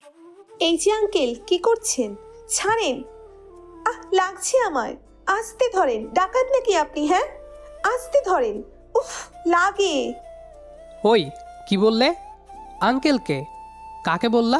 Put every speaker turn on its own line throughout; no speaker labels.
এই যে আঙ্কেল, কি করছেন? ছাড়েন। লাগছে আমার। আস্তে ধরেন। ডাকাত নাকি আপনি? হ্যাঁ, আস্তে ধরেন। উফ, লাগে।
ওই, কি বললে? আঙ্কেলকে? কাকে বললা?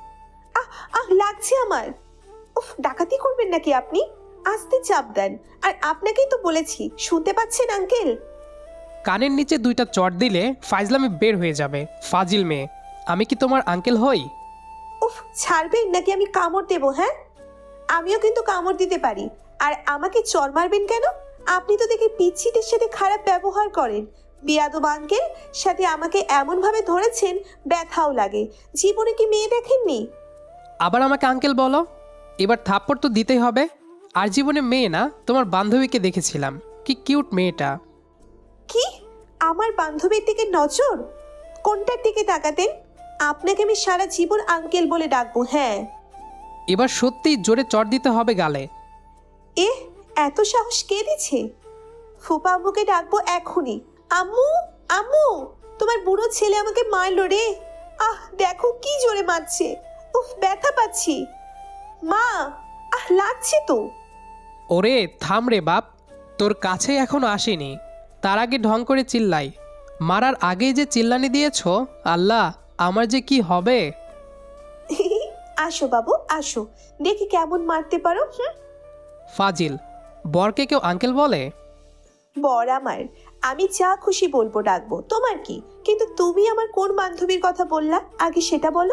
লাগছে আমার। উফ, ডাকাতি করবেন নাকি আপনি? আস্তে চাপ দেন। আর আপনাকেই তো বলেছি, শুনতে পাচ্ছেন আঙ্কেল?
কানের নিচে দুইটা চট দিলে ফাইজলামে বের হয়ে যাবে। ফাজিল মেয়ে, আমি কি তোমার আঙ্কেল হই?
উফ, ছাড়বেন নাকি আমি কামড় দেবো? হ্যাঁ, আমিও কিন্তু কামড় দিতে পারি। আর আমাকে চড় মারবেন কেন? আপনি তো দেখি পিচ্ছিদের সাথে খারাপ ব্যবহার করেন। বিয়াদব আঙ্কেল, সাথে আমাকে এমন ভাবে ধরেছেন, ব্যথাও লাগে। জীবনে কি মেয়ে দেখেননি?
আবার আমাকে আঙ্কেল বলো? এবার থাপ্পড় তো দিতেই হবে। আর জীবনে মেয়ে না, তোমার বান্ধবীকে দেখেছিলাম, কি কিউট মেয়েটা।
কি? আমার বান্ধবীর দিকে নজর? কোনটার দিকে তাকাতেন? আপনাকে আমি সারা জীবন আঙ্কেল বলে ডাকবো। হ্যাঁ।
এবার সত্যিই জোরে চট দিতে হবে গালে।
এ, এত সাহস কে দিচ্ছে? ফুপা আম্মুকে ডাকবো এখনই। আম্মু, আম্মু, তোমার বুড়ো ছেলে আমাকে মারলো রে। দেখো কি জোরে মারছে। উফ, ব্যথা পাচ্ছি। মা, লাগছে তো।
ওরে থাম রে বাপ, তোর কাছে এখনো আসেনি, তার আগে ঢং করে চিল্লাই। মারার আগেই যে চিল্লানি দিয়েছ, আল্লাহ আমার যে কি হবে।
আসো বাবু, আসো, দেখি কেমন মারতে পারো।
ফাজিল, বরকে কেউ আঙ্কেল বলে?
বর আমার, আমি যা খুশি বলবো ডাকবো, তোমার কি? কিন্তু তুমি আমার কোন বান্ধবীর কথা বললা আগে সেটা বলো।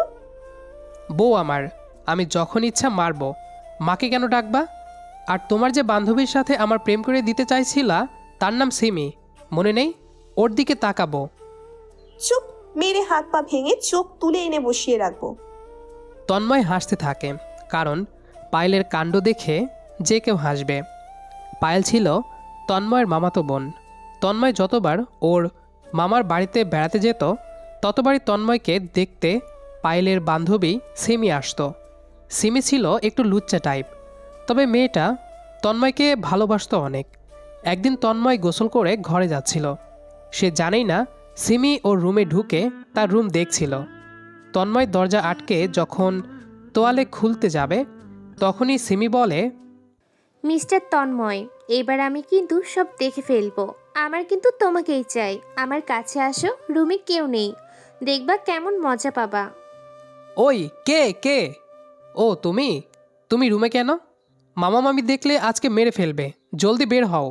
বউ আমার, আমি যখন ইচ্ছা মারবো। মাকে কেন ডাকবা? আর তোমার যে বান্ধবীর সাথে আমার প্রেম করে দিতে চাইছিলা, তার নাম সিমি, মনে নেই? ওর দিকে তাকাবো।
চুপ, মেরে হাত পা ভেঙে চোখ তুলে এনে বসিয়ে রাখবো।
তন্ময় হাসতে থাকে, কারণ পায়েলের কাণ্ড দেখে যে কেউ হাসবে। পায়েল ছিল তন্ময়ের মামাতো বোন। তন্ময় যতবার ওর মামার বাড়িতে বেড়াতে যেত, ততবারই তন্ময়কে দেখতে পায়েলের বান্ধবী সিমি আসতো। সিমি ছিল একটু লুচ্চা টাইপ, তবে মেয়েটা তন্ময়কে ভালোবাসতো অনেক। একদিন তন্ময় গোসল করে ঘরে যাচ্ছিল, সে জানেই না সিমি ওর রুমে ঢুকে তার রুম দেখছিল। তন্ময় দরজা আটকে যখন তোয়ালে খুলতে যাবে, তখনই সিমি বলে,
মিস্টার তন্ময়, এবার আমি কিন্তু সব দেখে ফেলবো। আমার কিন্তু তোমাকেই চাই। আমার কাছে আসো, রুমে কেউ নেই, দেখবা কেমন মজা পাবা।
ওই কে কে? ও তুমি, তুমি রুমে কেন? মামা মামি দেখলে আজকে মেরে ফেলবে, জলদি বের হও।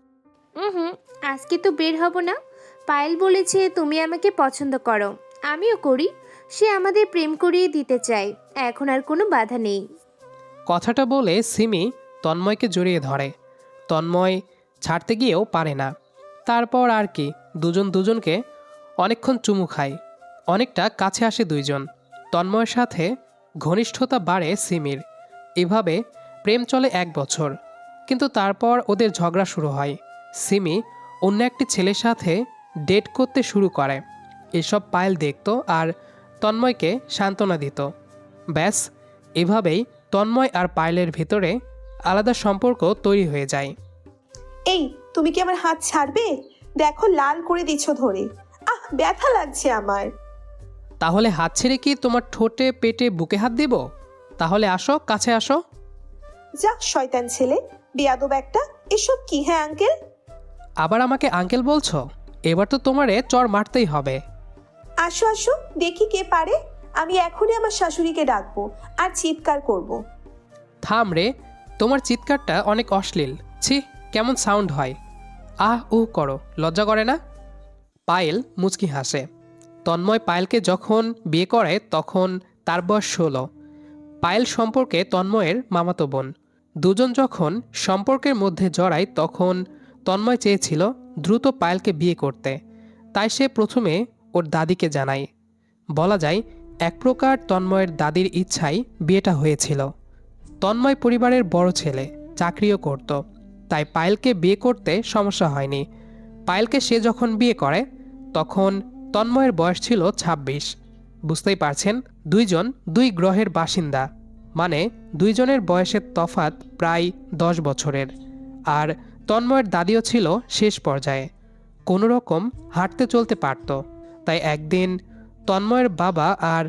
হুম, আজকে তো বের হব না। পায়েল বলেছে তুমি আমাকে পছন্দ করো, আমিও করি। সে আমাদের প্রেম করিয়ে দিতে চায়, এখন আর কোনো বাধা নেই।
কথাটা বলে সিমি তন্ময়কে জড়িয়ে ধরে। তন্ময় ছাড়তে গিয়েও পারে না। তারপর আর কি, দুজন দুজনকে অনেকক্ষণ চুমু খায়। অনেকটা কাছে আসে দুইজন। তন্ময়ের সাথে ঘনিষ্ঠতা বাড়ে সিমির। এভাবে প্রেম চলে 1 বছর। কিন্তু তারপর ওদের ঝগড়া শুরু হয়। সিমি অন্য একটি ছেলের সাথে ডেট করতে শুরু করে। এসব পায়েল দেখত আর তন্ময়কে সান্ত্বনা দিত। ব্যাস, এভাবেই তন্ময় আর পায়েলের ভেতরে আলাদা সম্পর্ক তৈরি হয়ে যায়।
এই, তুমি কি আমার হাত ছাড়বে? দেখো লাল করে দিচ্ছ ধরে। ব্যথা লাগছে আমার।
তাহলে হাত ছেড়ে কি তোমার ঠোঁটে পেটে বুকে হাত দিব? তাহলে আসো, কাছে আসো।
যা শয়তান ছেলে, বেয়াদব একটা। এসব কি? হ্যাঁ আঙ্কেল।
আবার আমাকে আঙ্কেল বলছো? এবার তো তোমারে চড় মারতেই হবে।
আসো আসো, দেখি কে পারে। আমি এখনই আমার শাশুড়িকে ডাকবো আর চিৎকার করব।
থাম রে, তোমার চিৎকারটা অনেক অশ্লীল। ছি, কেমন সাউন্ড হয়। আহ উহ করো, লজ্জা করে না? পায়েল মুচকি হাসে। তন্ময় পায়েলকে যখন বিয়ে করে তখন তার বয়স 16। পায়েল সম্পর্কে তন্ময়ের মামাতো বোন। দুজন যখন সম্পর্কের মধ্যে জড়ায় তখন তন্ময় চেয়েছিল দ্রুত পায়েলকে বিয়ে করতে। তাই সে প্রথমে ওর দাদিকে জানায়। বলা যায় এক প্রকার তন্ময়ের দাদির ইচ্ছায় বিয়েটা হয়েছিল। তন্ময় পরিবারের বড় ছেলে, চাকরিও করত, তাই পায়েলকে বিয়ে করতে সমস্যা হয়নি। পায়েলকে সে যখন বিয়ে করে তখন তন্ময়ের বয়স ছিল 26। বুঝতেই পারছেন, দুইজন দুই গ্রহের বাসিন্দা, মানে দুইজনের বয়সের তফাৎ প্রায় 10 বছরের। আর তন্ময়ের দাদিও ছিল শেষ পর্যায়ে, কোনো রকম হাঁটতে চলতে পারত। তাই একদিন তন্ময়ের বাবা আর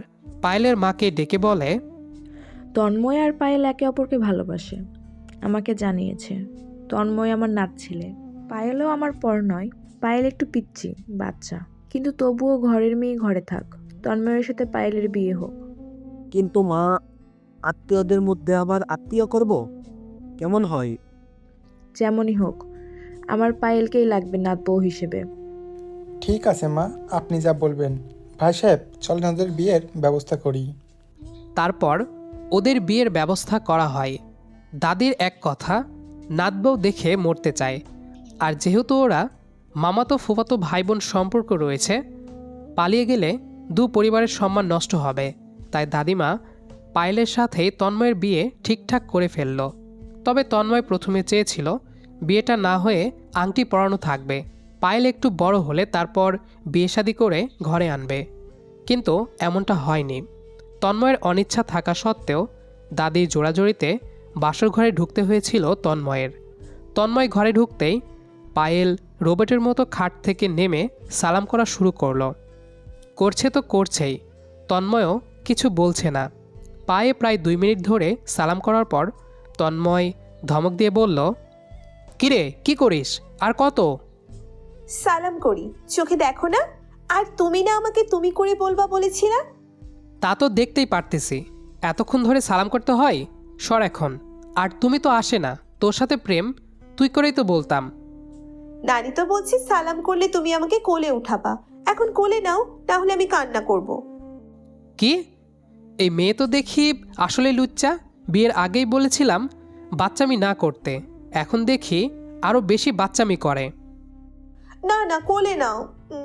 পায়েলের মাকে ডেকে বলে,
তন্ময় আর পায়েল একে অপরকে ভালোবাসে, আমাকে জানিয়েছে। তন্ময় আমার নাত ছেলে, পায়েলও আমার পর নয়। পায়েল একটু পিচ্ছি বাচ্চা, কিন্তু তবুও ঘরের মেয়ে ঘরে থাক। তন্ময়ের সাথে পায়েলের বিয়ে হোক।
কিন্তু মা, আত্মীয়দের মধ্যে আবার আত্মীয় করব, কেমন হয়?
যেমনই হোক, আমার পায়েলকেই লাগবে নাত বউ হিসেবে।
ঠিক আছে মা, আপনি যা বলবেন। ভাই সাহেব, চলেন ওদের বিয়ের ব্যবস্থা করি।
তারপর ওদের বিয়ের ব্যবস্থা করা হয়। দাদির এক কথা, নাতবউ দেখে মরতে চায়। আর যেহেতু ওরা মামাতো ফুফাতো ভাই বোন সম্পর্ক রয়েছে, পালিয়ে গেলে দু পরিবারের সম্মান নষ্ট হবে, তাই দাদিমা পায়েলের সাথে তন্ময়ের বিয়ে ঠিকঠাক করে ফেলল। তবে তন্ময় প্রথমে চেয়েছিল বিয়েটা না হয়ে আংটি পরানো থাকবে, পায়েল একটু বড় হলে তারপর বিয়ে শাদী করে ঘরে আনবে। কিন্তু এমনটা হয়নি। তন্ময়ের অনিচ্ছা থাকা সত্ত্বেও দাদির জোড়াজড়িতে বাসর ঘরে ঢুকতে হয়েছিল তন্ময়ের। তন্ময় ঘরে ঢুকতেই পায়েল রোবটের মতো খাট থেকে নেমে সালাম করা শুরু করলো। করছে তো করছেই, তন্ময়ও কিছু বলছে না। পায়ে প্রায় 2 মিনিট ধরে সালাম করার পর তন্ময় ধমক দিয়ে বলল, কিরে কি করিস, আর কত?
সালাম করি, চোখে দেখো না? আর তুমি না আমাকে তুমি করে বলবা বলেছিলা?
তা তো দেখতেই পারতেছি, এতক্ষণ ধরে সালাম করতে হয়? সর এখন। আর তুমি তো আসে না, তোর সাথে প্রেম, তুই করেই তো বলতাম।
নানি তো বলছি সালাম করলে তুমি আমাকে কোলে উঠাবা, এখন কোলে নাও, তাহলে আমি কান্না করব।
কি? এই মেয়ে তো দেখি আসলে লুচ্চা। বিয়ের আগেই বলেছিলাম বাচ্চামি না করতে, এখন দেখি আরও বেশি বাচ্চামি করে।
না না, কোলে নাও,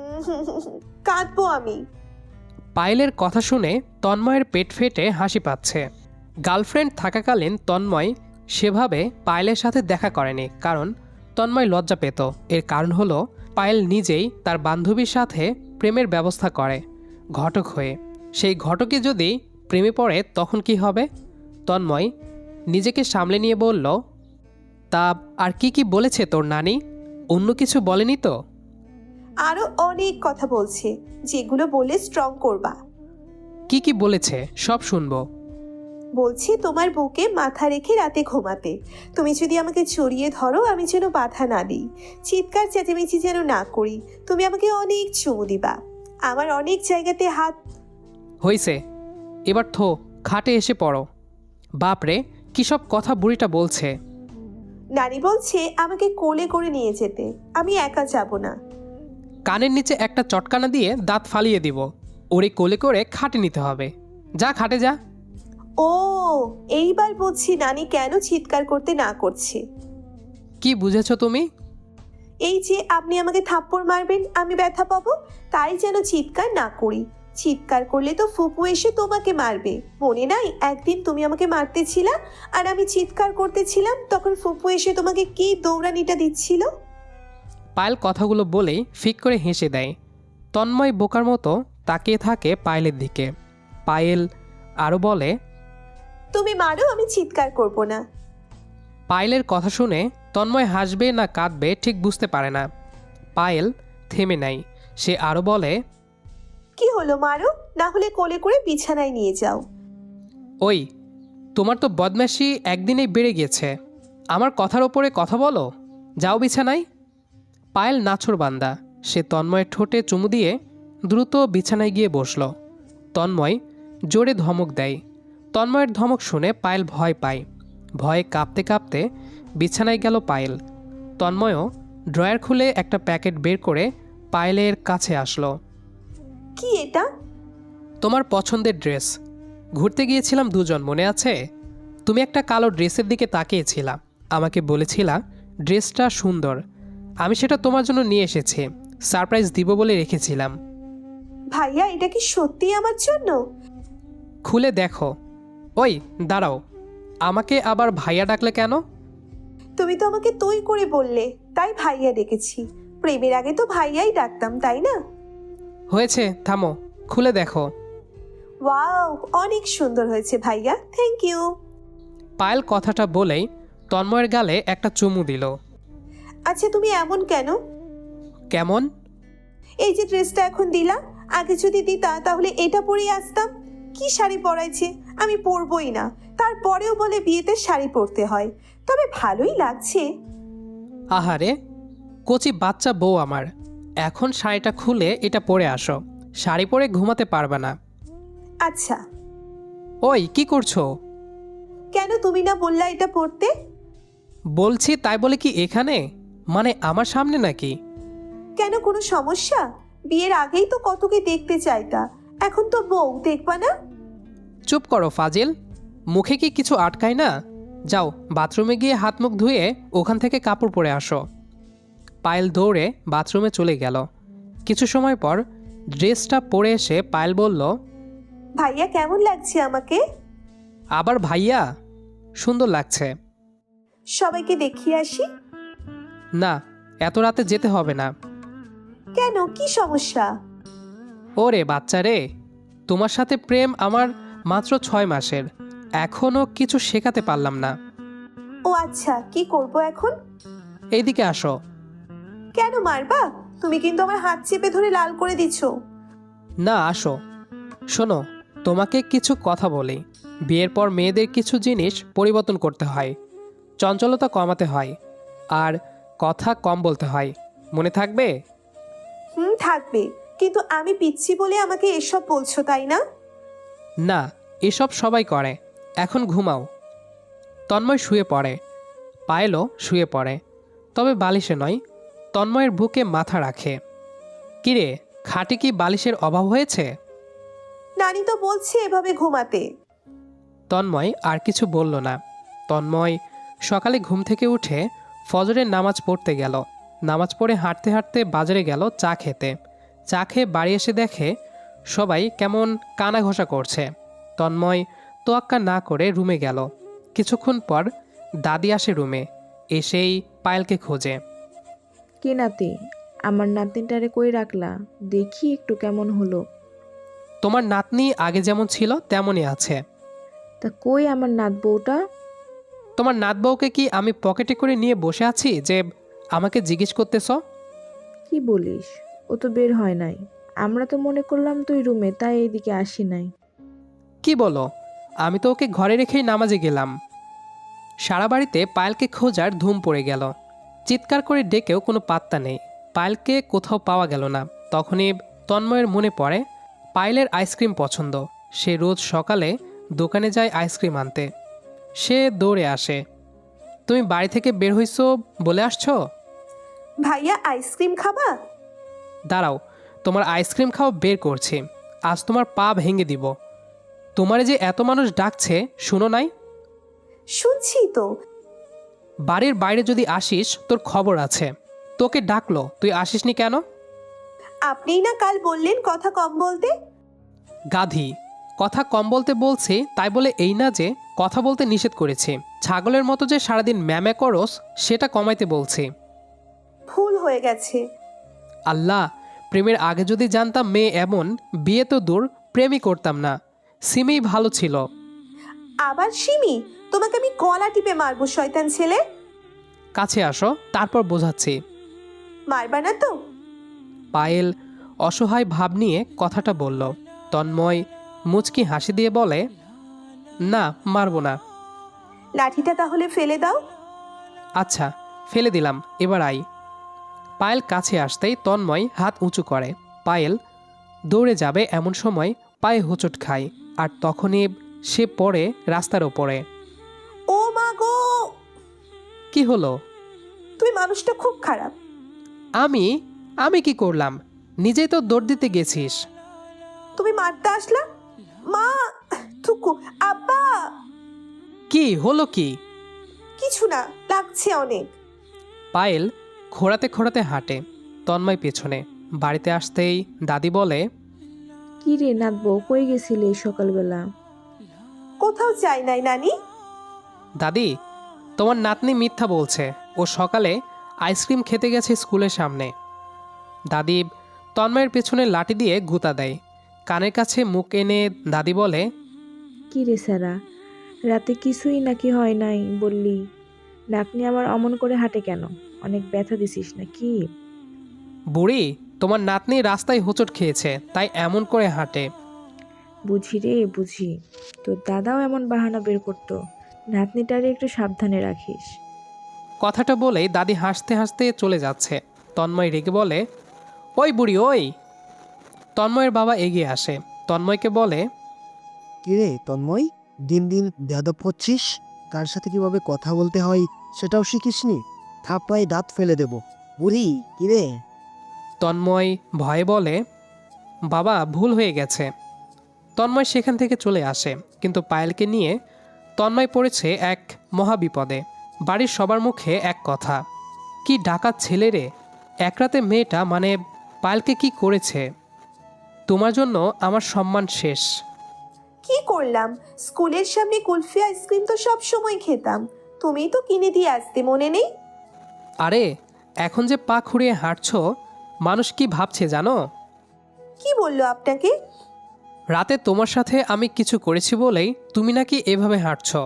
কাঁদবো আমি।
পায়েলের কথা শুনে তন্ময়ের পেট ফেটে হাসি পাচ্ছে। গার্লফ্রেন্ড থাকাকালীন তন্ময় সেভাবে পায়েলের সাথে দেখা করেনি, কারণ তন্ময় লজ্জা পেত। এর কারণ হলো পায়েল নিজেই তার বান্ধবীর সাথে প্রেমের ব্যবস্থা করে ঘটক হয়ে। সেই ঘটকে যদি প্রেমে পড়ে তখন কি হবে? তন্ময় নিজেকে সামলে নিয়ে বলল, তা আর কি কি বলেছে তোর নানি? অন্য কিছু বলেনি তো?
আরো অনেক কথা বলছে, যেগুলো বলে স্ট্রং করবা।
কি কি বলেছে সব শুনবো।
বলছি তোমার বুকে মাথা রেখে রাতে ঘুমাতে, তুমি যদি আমাকে জড়িয়ে ধরো আমি যেন বাধা না দিই, চিৎকার চেঁচামেচি যেন না করি, তুমি আমাকে অনেক চুমু দিবা, আমার অনেক জায়গাতে হাত।
হইছে, এবার থো, খাটে এসে পড়ো। বাপরে, কী সব কথা বুড়িটা বলছে।
নানি বলছে আমাকে কোলে করে নিয়ে যেতে, আমি একা যাব না।
কানের নিচে একটা চটকানা দিয়ে দাঁত ফালিয়ে দিব। ওরে কোলে করে খাটে নিতে হবে। যা খাটে যা।
ও, এইবার বুঝছি নানি কেন চিৎকার করতে না করছে।
কি বুঝেছ তুমি?
এই যে আপনি আমাকে থাপ্পড় মারবেন, আমি ব্যথা পাবো, তাই যেন চিৎকার না করি। চিৎকার করলে তো ফুপু এসে তোমাকে মারবে। মনে নাই একদিন তুমি আমাকে মারতেছিলা আর আমি চিৎকার করতেছিলাম, তখন ফুপু এসে তোমাকে কি দৌড়ানিটা দিচ্ছিল।
পায়েল কথাগুলো বলেই ফিক করে হেসে দেয়। তন্ময় বোকার মতো তাকিয়ে থাকে পায়েলের দিকে। পায়েল আরও বলে,
তুমি মারো, আমি চিৎকার করব না।
পায়েলের কথা শুনে তন্ময় হাসবে না কাঁদবে ঠিক বুঝতে পারে না। পায়েল থেমে নেয়। সে আরও বলে,
কি হলো, মারো, না হলে কোলে করে বিছানায় নিয়ে যাও।
ওই, তোমার তো বদমাশি একদিনেই বেড়ে গিয়েছে। আমার কথার ওপরে কথা বলো, যাও বিছানায়। পায়েল নাছোড়বান্দা। সে তন্ময়ের ঠোঁটে চুমু দিয়ে দ্রুত বিছানায় গিয়ে বসল। তন্ময় জোরে ধমক দেয়। তন্ময়ের ধমক শুনে পায়েল ভয় পায়। ভয়ে কাঁপতে কাঁপতে বিছানায় গেল পায়েল। তন্ময়ও ড্রয়ার খুলে একটা প্যাকেট বের করে পায়েলের কাছে আসলো।
কি এটা?
তোমার পছন্দের ড্রেস। ঘুরতে গিয়েছিলাম দুজন, মনে আছে? তুমি একটা কালো ড্রেসের দিকে তাকিয়েছিলা, আমাকে বলেছিলা ড্রেসটা সুন্দর। আমি সেটা তোমার জন্য নিয়ে এসেছি, সারপ্রাইজ দিব বলে রেখেছিলাম।
ভাইয়া, এটা কি সত্যি আমার জন্য?
খুলে দেখো। ওই দাঁড়াও, আমাকে আবার ভাইয়া ডাকলে কেন?
তুমি তো আমাকে তুই করে বললে, তাই ভাইয়া ডেকেছি। প্রেমের আগে তো ভাইয়াই ডাকতাম, তাই না?
হয়েছে, থামো, খুলে দেখো।
ওয়াও, অনেক সুন্দর হয়েছে ভাইয়া, থ্যাংক ইউ।
পায়েল কথাটা বলেই তন্ময়ের গালে একটা চুমু দিল।
আচ্ছা, তুমি এমন কেন?
কেমন?
এই যে ড্রেসটা এখন দিলা, আগে যদি দিতা তাহলে এটা পরেই আসতাম। কি শাড়ি পরাইছে, আমি পরবই না। তারপরেও বলে বিয়েতে শাড়ি পরতে হয়। তবে ভালোই লাগছে।
আহারে, কচি বাচ্চা বউ আমার, এখন শাড়িটা খুলে এটা পরে আসো। শাড়ি পরে ঘুমাতে পারবে না।
আচ্ছা,
ওই কি করছো?
কেন তুমি না বললা এটা পরতে?
বলছি তাই বলে কি এখানে, মানে আমার সামনে নাকি?
কেন, কোনো সমস্যা? বিয়ের আগেই তো কতকে দেখতে চাইতা, এখন তো বউ, দেখবা না?
চুপ করো ফাজিল, মুখে কি কিছু আটকায় না? যাও বাথরুমে গিয়ে হাত মুখ ধুয়ে ওখান থেকে কাপড় পরে আসো। পায়েল দৌড়ে বাথরুমে চলে গেল। কিছু সময় পর ড্রেসটা পরে এসে পায়েল বলল,
ভাইয়া কেমন লাগছে আমাকে?
আবার ভাইয়া? সুন্দর লাগছে।
সবাইকে দেখিয়ে আসি।
না, এত রাতে যেতে হবে না।
কেন, কি সমস্যা?
ওরে বাচ্চা রে, তোমার সাথে প্রেম আমার মাত্র 6 মাসের, এখনও কিছু শেখাতে পারলাম না।
ও আচ্ছা, কি করব এখন?
এইদিকে আসো।
কেন মারবা? তুমি কিন্তু আমার হাত চেপে ধরে লাল করে দিচ্ছ।
না, আসো। শোনো, তোমাকে কিছু কথা বলি। বিয়ের পর মেয়েদের কিছু জিনিস পরিবর্তন করতে হয়, চঞ্চলতা কমাতে হয়, আর কথা কম বলতে হয়। মনে থাকবে?
থাকবে, কিন্তু আমি পিচ্ছি বলে আমাকে এসব বলছো, তাই না?
না, এসব সবাই করে। এখন ঘুমাও। তন্ময় শুয়ে পড়ে, পায়েলও শুয়ে পড়ে, তবে বালিশে নয়, তন্ময়ের বুকে মাথা রাখে। কিরে, খাটে কি বালিশের অভাব হয়েছে?
নানি তো বলছে এভাবে ঘুমাতে।
তন্ময় আর কিছু বলল না। তন্ময় সকালে ঘুম থেকে উঠে ফজরের নামাজ পড়তে গেল। নামাজ পড়ে হাঁটতে হাঁটতে বাজারে গেল চা খেতে। চা খেয়ে বাড়ি এসে দেখে সবাই কেমন কানা ঘষা করছে। তন্ময় তোয়াক্কা না করে রুমে গেল। কিছুক্ষণ পর দাদি আসে রুমে, এসেই পায়েলকে খোঁজে।
কি নাতি, আমার নাতনিটারে কই রাখলা? দেখি একটু কেমন হলো।
তোমার নাতনি আগে যেমন ছিল তেমনই আছে।
তা কই আমার নাত বউটা?
তোমার নাত বউকে কি আমি পকেটে করে নিয়ে বসে আছি যে আমাকে জিজ্ঞেস করতেছ?
কি বলিস, ও তো বের হয় নাই। আমরা তো মনে করলাম তুই রুমে, তাই এইদিকে আসি নাই।
কি বলো? আমি তো ওকে ঘরে রেখেই নামাজে গেলাম। সারা বাড়িতে পায়েলকে খোঁজার ধুম পড়ে গেল। চিৎকার করে ডেকেও কোনো পাত্তা নেই। পায়েলকে কোথাও পাওয়া গেল না। তখনই তন্ময়ের মনে পড়ে পায়েলের আইসক্রিম পছন্দ। সে রোজ সকালে দোকানে যায় আইসক্রিম আনতে। সে দৌড়ে আসে। তুমি বাড়ি থেকে বের হইছো বলে আসছো?
ভাইয়া আইসক্রিম খাবা?
দাঁড়াও, তোমার আইসক্রিম খাওয়া বের করছি। আজ তোমার পা ভেঙে দিব। তোমারে যে এত মানুষ ডাকছে, শুনো নাই?
শুনছি তো।
বাড়ির বাইরে যদি আসিস তোর খবর আছে। তোকে ডাকলো, তুই আসিসনি কেন?
আপনিই না কাল বললেন কথা কম বলতে।
গাধি, কথা কম বলতে বলছি তাই বলে এই না যে কথা বলতে নিষেধ করেছি। ছাগলের মতো যে সারাদিন ম্যামে করস সেটা কমাইতে বলছি।
ভুল হয়ে গেছে।
আল্লাহ, প্রেমের আগে যদি জানতাম মেয়ে এমন, বিয়ে তো দূর, প্রেমই করতাম না। সিমেই ভালো ছিল।
আবার সিমি? তোমাকে আমি গলা টিপে মারবো, শয়তান ছেলে।
কাছে আসো, তারপর বোঝাচ্ছি।
মারবা না তো?
পায়েল অসহায় ভাব নিয়ে কথাটা বলল। তন্ময় মুচকি হাসি দিয়ে বলে, না, মারবো না।
লাঠিটা তাহলে ফেলে দাও।
আচ্ছা, ফেলে দিলাম, এবার আই। পায়েল কাছে আসতেই তন্ময় হাত উঁচু করে। পায়েল দৌড়ে যাবে এমন সময় পায়ে হোঁচট খায়, আর তখনই সে পড়ে রাস্তার ওপরে।
ও মা গো!
কি হলো?
তুমি মানুষটা খুব খারাপ।
আমি আমি কি করলাম? নিজেই তো দৌড় দিতে গেছিস।
তুমি মারতে আসলা? মা! থুকু! আব্বা!
কি হলো কি?
কিছু না, লাগছে অনেক।
পায়েল খোঁড়াতে খোঁড়াতে হাঁটে, তন্ময় পেছনে। বাড়িতে আসতেই দাদি বলে,
কি রে নাত বউ, কই গেছিলে এই সকালবেলা?
কোথাও চাই নাই নানি।
দাদি, তোমার নাতনি মিথ্যা বলছে। ও সকালে আইসক্রিম খেতে গেছে স্কুলের সামনে। দাদি তন্ময়ের পেছনে লাঠি দিয়ে গুঁতা দেয়। কানের কাছে মুখ এনে দাদি বলে,
কি রে সারা, রাতে কিছুই নাকি হয় নাই বললি? নাতনি আমার অমন করে হাঁটে কেন? অনেক ব্যথা দিছিস নাকি?
বুড়ি, তোমার নাতনি রাস্তায় হোঁচট খেয়েছে, তাই এমন করে হাঁটে।
বুঝি রে বুঝি, তোর দাদাও এমন বাহানা বের করতো। নাতনিটারে একটু সাবধানে রাখিস।
কথাটা বলেই দাদি হাসতে হাসতে চলে যাচ্ছে। তন্ময় রেগে বলে, ওই বুড়ি ওই। তন্ময়ের বাবা এগিয়ে আসে, তন্ময়কে বলে,
কিরে তন্ময়, দিন দিন বেয়াদব হচ্ছিস। কার সাথে কিভাবে কথা বলতে হয় সেটাও শিখিসনি। থাপ্পড়ায় দাঁত ফেলে দেব। বুড়ি কিরে।
তন্ময় ভয়ে বলে, বাবা ভুল হয়ে গেছে। তন্ময় সেখান থেকে চলে আসে, কিন্তু পায়েলকে নিয়ে তন্ময় পড়েছে এক মহাবিপদে। বাড়ির সবার মুখে এক কথা, কি ডাকাত ছেলে রে, এক রাতে মেয়েটা মানে পায়েলকে কি করেছে। তোমার জন্য আমার সম্মান শেষ।
কি করলাম? স্কুলের সামনে কুলফি আইসক্রিম তো সব সময় খেতাম, তুমিই তো কিনে দিয়ে আসতে, মনে নেই?
আরে এখন যে পা খুঁড়িয়ে হাঁটছো, মানুষ কি ভাবছে জানো?
কি বললো আপনাকে?
রাতে তোমার সাথে আমি কিছু করেছি বলেই তুমি নাকি এভাবে হাঁটছো।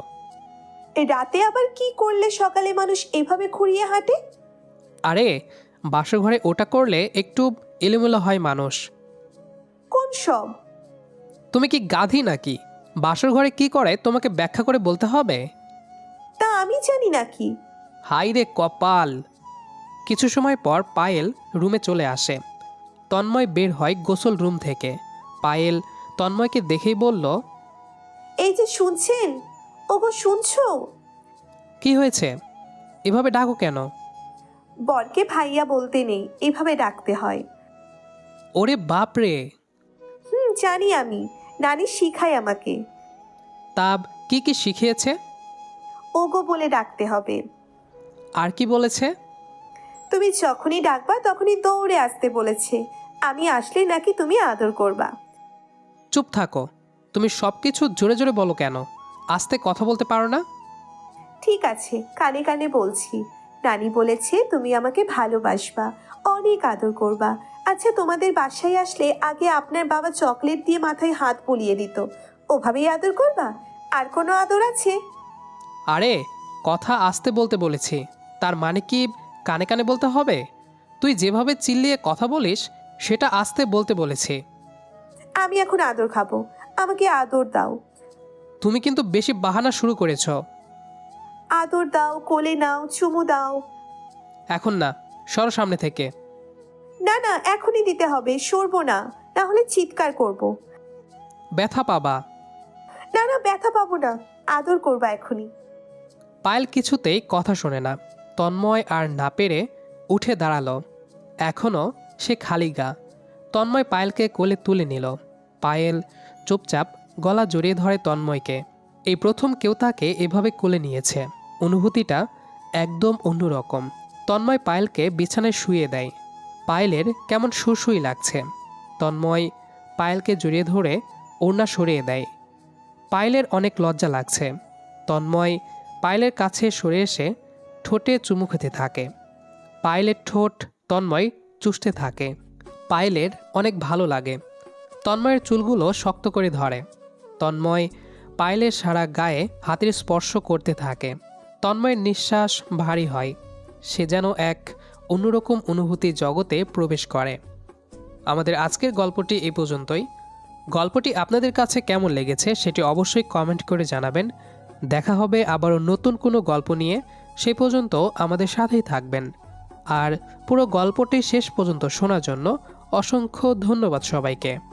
রাতে আবার কি করলে সকালে মানুষ এভাবে খুঁড়িয়ে হাঁটে?
আরে বাসর ঘরে ওটা করলে একটু এলোমেলো হয় মানুষ।
কোন সব?
তুমি কি গাধি নাকি? বাসর ঘরে কি করে তোমাকে ব্যাখ্যা করে বলতে হবে?
তা আমি জানি নাকি?
হাই রে কপাল। কিছু সময় পর পায়েল রুমে চলে আসে। তন্ময় বের হয় গোসল রুম থেকে। পায়েল তন্ময়কে দেখেই বলল,
এই যে শুনছেন, ওগো শুনছো?
কি হয়েছে? এভাবে ডাকো কেন?
বরকে ভাইয়া বলতে নেই, এভাবে ডাকতে হয়।
ওরে বাপ রে।
জানি আমি, নানি শিখায় আমাকে।
তাব কি কি শিখিয়েছে?
ওগো বলে ডাকতে হবে।
আর কি বলেছে?
তুমি যখনই ডাকবা তখনই দৌড়ে আসতে বলেছে। আমি আসলে নাকি তুমি আদর করবা।
চুপ থাকো। তুমি সব কিছু জোরে জোরে বলো কেন? আস্তে কথা বলতে পারো না?
ঠিক আছে, কানে কানে বলছি। নানি বলেছে তুমি আমাকে ভালোবাসবা, অনেক আদর করবা। আচ্ছা, তোমাদের বাসায় আসলে আগে আপনার বাবা চকলেট দিয়ে মাথায় হাত বুলিয়ে দিত, ওভাবেই আদর করবা? আর কোনো আদর আছে?
আরে কথা আস্তে বলতে বলেছি, তার মানে কি কানে কানে বলতে হবে? তুই যেভাবে চিল্লিয়ে কথা বলিস সেটা আস্তে বলতে বলেছি।
আমি এখন আদর খাবো, আমাকে আদর দাও।
তুমি কিন্তু বেশি বাহানা শুরু করেছ।
আদর দাও, কোলে নাও, চুমু দাও।
এখন না, সরো সামনে থেকে।
না না, এখনই দিতে হবে, সরবো না, না হলে চিৎকার করব।
ব্যথা পাবা।
না না, ব্যথা পাবো না, আদর করবা এখনই।
পায়েল কিছুতেই কথা শোনে না। তন্ময় আর না পেরে উঠে দাঁড়ালো। এখনও সে খালি গা। তন্ময় পায়েলকে কোলে তুলে নিল। পায়েল চুপচাপ গলা জড়িয়ে ধরে তন্ময়কে। এই প্রথম কেউ তাকে এভাবে কোলে নিয়েছে। অনুভূতিটা একদম অন্যরকম। তন্ময় পায়েলকে বিছানায় শুইয়ে দেয়। পায়েলের কেমন সুসুই লাগছে। তন্ময় পায়েলকে জড়িয়ে ধরে ওড়না সরিয়ে দেয়। পায়েলের অনেক লজ্জা লাগছে। তন্ময় পায়েলের কাছে সরে এসে ঠোঁটে চুমু খেতে থাকে। পায়েলের ঠোঁট তন্ময় চুষতে থাকে। পায়েলের অনেক ভালো লাগে। তন্ময়ের চুলগুলো শক্ত করে ধরে। তন্ময় পায়েলের সারা গায়ে হাতের স্পর্শ করতে থাকে। তন্ময়ের নিঃশ্বাস ভারী হয়। সে যেন এক অন্যরকম অনুভূতি জগতে প্রবেশ করে। আমাদের আজকের গল্পটি এই পর্যন্তই। গল্পটি আপনাদের কাছে কেমন লেগেছে সেটি অবশ্যই কমেন্ট করে জানাবেন। দেখা হবে আবারও নতুন কোনো গল্প নিয়ে। সেই পর্যন্ত আমাদের সাথেই থাকবেন। আর পুরো গল্পটি শেষ পর্যন্ত শোনার জন্য অসংখ্য ধন্যবাদ সবাইকে।